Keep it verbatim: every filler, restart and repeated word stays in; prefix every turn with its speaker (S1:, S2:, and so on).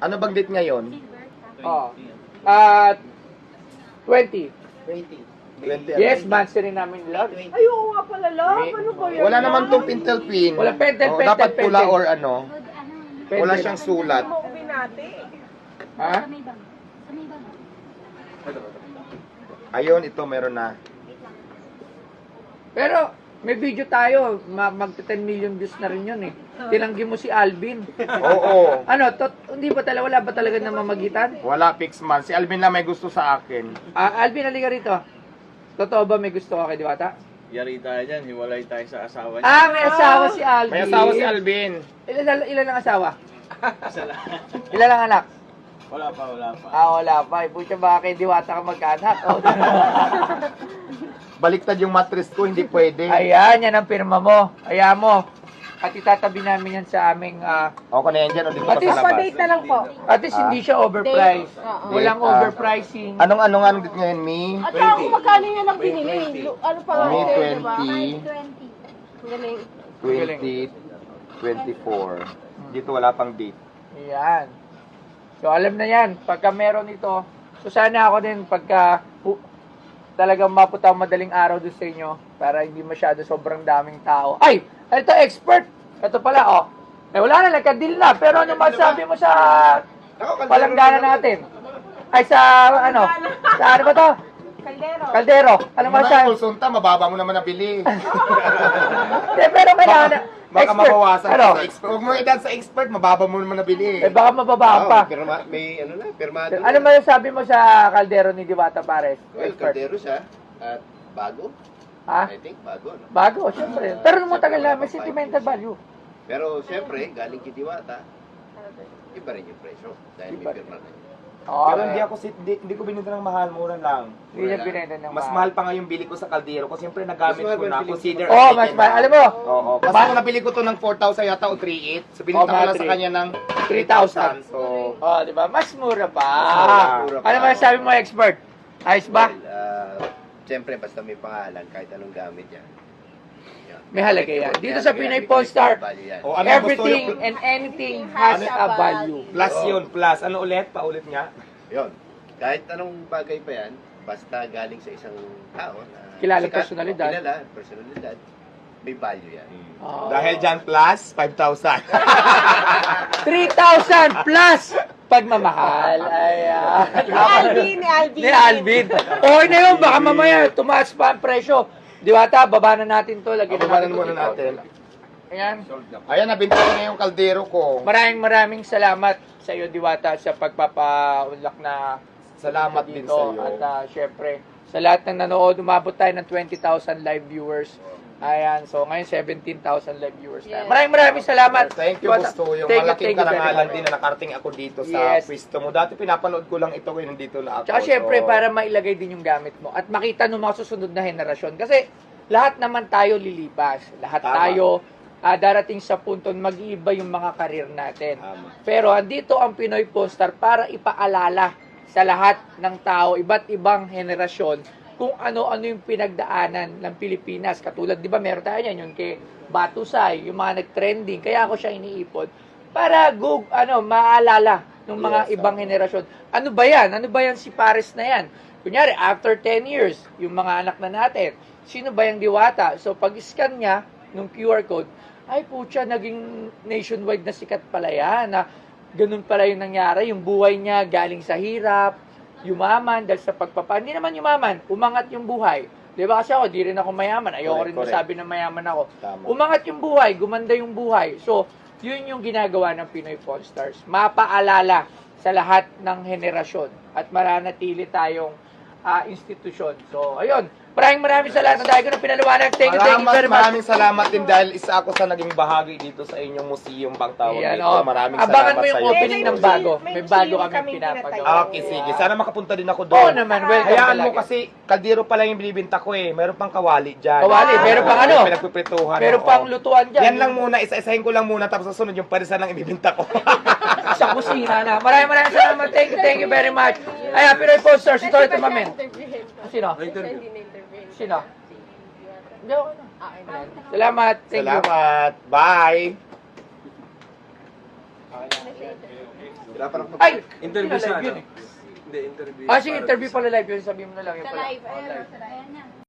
S1: Ano bang date ngayon?
S2: Oh. At twenty.
S3: twenty.
S1: twenty.
S2: Yes, months rin namin love.
S4: Ay, oo nga pala, love. Ano ba yan?
S1: Wala naman tong pintel pin.
S2: Wala pentel,
S1: Oh,
S2: pentel,
S1: dapat pula
S2: pentel.
S1: or ano. Wala siyang sulat.
S4: Mo binati.
S2: Ha?
S1: Ayun, ito meron na.
S2: Pero, may video tayo. Ma mag ten million views na rin yun eh. Tinanggi mo si Alvin.
S1: Oo.
S2: Ano, to, hindi ba talaga, wala ba talaga namamagitan?
S1: Wala fix man. Si Alvin lang may gusto sa akin.
S2: Ah, Alvin, halika rito. Totoo ba may gusto ka kay Diwata?
S3: Yari tayo dyan, hiwalay tayo sa asawa niya.
S2: Ah, may asawa si Alvin.
S1: May asawa si Alvin.
S2: Ilan, ilan ang asawa?
S3: Isa lang.
S2: Ilan ang anak?
S3: Wala pa, wala pa.
S2: Ah, wala pa. Pucha, baka kay Diwata ka magkaanak. Oh.
S1: Baliktad yung mattress ko, hindi pwede.
S2: Ayan, yan ang pirma mo. Ayan mo. At itatabi namin yan sa aming... ah,
S1: Okay na yan dyan, o dito
S2: At
S1: pa
S2: least
S1: sa labas.
S4: Pa-date na lang po.
S2: at least hindi siya overpriced.
S4: Date. Oo.
S2: Walang
S1: Date, ah.
S2: overpricing.
S1: Anong ano nga ang date ngayon, Mi?
S4: At saka kung magkano yan ang binili. Lu- Ano pa nga
S1: May
S4: sa'yo, diba?
S1: twenty,
S4: Galing.
S1: twenty, twenty-four. Dito wala pang date.
S2: Ayan. So, alam na yan. Pagka meron ito, so sana ako din pagka hu- talagang maputa ang madaling araw doon sa inyo para hindi masyado sobrang daming tao. Ay! Ito, expert! Ito pala, oh. Eh, wala na, nagka-deal na. Pero ano masabi mo sa palanggana natin? Ay, sa ano? Sa ano ba to?
S4: Kaldero.
S2: Kaldero. Ano
S1: Ano
S2: masabi?
S1: yung sulsunta, mababa mo naman nabili.
S2: Eh, pero kailangan na.
S1: Baka
S2: Expert.
S1: mabawasan
S2: Ano?
S1: ka sa expert. Huwag mo idan sa expert, mababa mo naman nabili.
S2: Eh, baka mababa pa.
S5: Pirma, may ano na, pirmado.
S2: Ano masasabi mo sa Kaldero ni Diwata Pares?
S5: Well,
S2: Expert.
S5: kaldero siya. At bago.
S2: Ha?
S5: I think bago. No?
S2: Bago, syempre. Pero nung matagal na, may sentimental value.
S5: Pero siyempre, galing kay Diwata, iba rin yung presyo. Dahil may
S2: Iba.
S5: pirma na yun.
S2: Oo.
S1: Pero hindi ako si, di, hindi ko binenta ng mahal, mura lang.
S2: Hindi niya binenta ng
S1: Mas mahal pa nga yung bili ko sa kaldero ko. Siyempre nagamit
S5: Mas mahal
S1: ko
S5: ba
S1: na.
S5: yung bili-
S1: Consider
S2: Oo, oh, mas mahal. Alam mo,
S1: Oo. Kasi
S2: Ma-
S1: kung nabili ko to ng four thousand yata o three eight. So
S2: Oo,
S1: binenta ko
S2: mga
S1: lang sa
S2: three.
S1: kanya ng
S2: three thousand.
S1: So,
S2: oh, di ba? Mas mura pa.
S5: mura pa.
S2: Ano masasabi mo, expert? Ayos ba?
S5: Well, uh, siyempre, basta may pangalan, kahit anong gamit yan. Yan.
S2: May halaga yan. Dito sa
S5: Yan,
S2: Pinoy
S5: may
S2: Pawn Star,
S5: value yan.
S1: o ano yung gusto
S2: everything
S1: yung
S2: and anything has a value.
S1: plus yun, plus. Ano ulit? Paulit nga.
S5: Yun. Kahit anong bagay pa yan, basta galing sa isang tao na
S2: Kilala
S5: sikat,
S2: personalidad.
S5: o Kilala, personalidad, may value yan.
S2: Oh.
S1: Dahil dyan plus, five thousand.
S2: three thousand plus pagmamahal. Ayan.
S4: Ni Alvin, ni Alvin.
S2: Ni Alvin. Okay na yun, baka mamaya tumaas pa ang presyo. Diwata, baba na natin to. Lagyan
S1: Babanan
S2: natin
S1: muna
S2: to.
S1: natin.
S2: Ayan.
S1: Ayan, nabinta ko na yung kaldero ko.
S2: Maraming maraming salamat sa iyo, Diwata, sa pagpapaunlak na
S1: Salamat din
S2: dito.
S1: sa iyo.
S2: At uh, syempre, sa lahat ng nanood, umabot tayo ng twenty thousand live viewers. Ayan, so ngayon seventeen thousand live viewers tayo.
S4: Yes.
S2: Maraming maraming salamat.
S1: Thank you,
S2: Diwata.
S1: gusto. Yung
S2: Thank you,
S1: malaking
S2: thank you very
S1: karangalan
S2: much.
S1: din na nakarating ako dito sa
S2: Yes.
S1: pwesto mo. Dati pinapanood ko lang ito, ngayon nandito na ako.
S2: Tsaka syempre,
S1: So,
S2: para mailagay din yung gamit mo at makita ng mga susunod na henerasyon. Kasi lahat naman tayo lilipas. Lahat
S1: Tama.
S2: tayo ah, darating sa punto na mag-iiba yung mga karir natin.
S1: Tama.
S2: Pero andito ang Pinoy Pawn Star para ipaalala sa lahat ng tao, iba't ibang henerasyon, kung ano-ano yung pinagdaanan ng Pilipinas. Katulad, di ba, meron tayo yan, yung kay Batusay, yung mga nag-trending. Kaya ako siya iniipon para go, ano, maalala ng mga
S1: Yes,
S2: ibang
S1: tama.
S2: henerasyon. Ano ba yan? Ano ba yan si Pares na yan? Kunyari, after ten years, yung mga anak na natin, sino ba yung Diwata? So, pag-scan niya ng Q R code, ay putya, naging nationwide na sikat pala yan. Na ganun pala yung nangyari. Yung buhay niya galing sa hirap, yumaman dahil sa pagpapa. Hindi naman yumaman, umangat yung buhay. Di ba kasi ako, di rin ako mayaman. Ayoko
S1: Correct,
S2: rin
S1: correct.
S2: masabi na mayaman ako.
S1: Tama.
S2: Umangat yung buhay, gumanda yung buhay. So, yun yung ginagawa ng Pinoy Pawn Stars. Mapaalala sa lahat ng henerasyon at maranatili tayong ah, institusyon. So, ayun. Maraming maraming salamat dahil ko na pinaliwanag. Thank you, thank you
S1: Maraming,
S2: very much.
S1: maraming salamat din dahil isa ako sa naging bahagi dito sa inyong museum bang tawag
S2: Ayan,
S1: dito.
S2: oh.
S1: Maraming
S2: Abangan
S1: salamat
S2: mo yung
S1: sa iyo.
S2: opening ng bago.
S4: May
S2: May bago
S4: museum
S2: kami
S4: kaming
S2: pinapagawa.
S4: pinatayo.
S1: Ah, okay, sige. Sana makapunta din ako doon.
S2: Oo naman, welcome
S1: Hayaan mo
S2: talaga.
S1: kasi kaldero pa lang yung binibinta ko eh. Meron pang kawali dyan.
S2: Kawali, meron pang ano?
S1: Pinagpiprituhan.
S2: Meron
S1: oo.
S2: pang lutuan dyan.
S1: Yan lang muna, isa-isahin ko lang muna tapos sa sunod yung parisan lang ibibinta ko.
S2: Sa kusina na. Maraming maraming salamat. Thank you, thank you very much. Ayan, Pinoy Pawn Stars. Ito ulit mamen. Sino? Sino? Hindi, okay na. Salamat. Thank you.
S1: Salamat. Bye.
S5: Hirapan ako
S2: Ay!
S6: Interview
S2: Live
S6: sa
S2: yun
S6: ano?
S2: eh.
S6: Hindi, interview.
S2: Ah, sige,
S6: para
S2: interview
S6: sa-
S2: pala live yun. Sabihin mo na lang yun
S4: Sa
S2: pala.
S4: live.
S2: Oh,
S4: Ayan,
S2: live.
S4: sa live.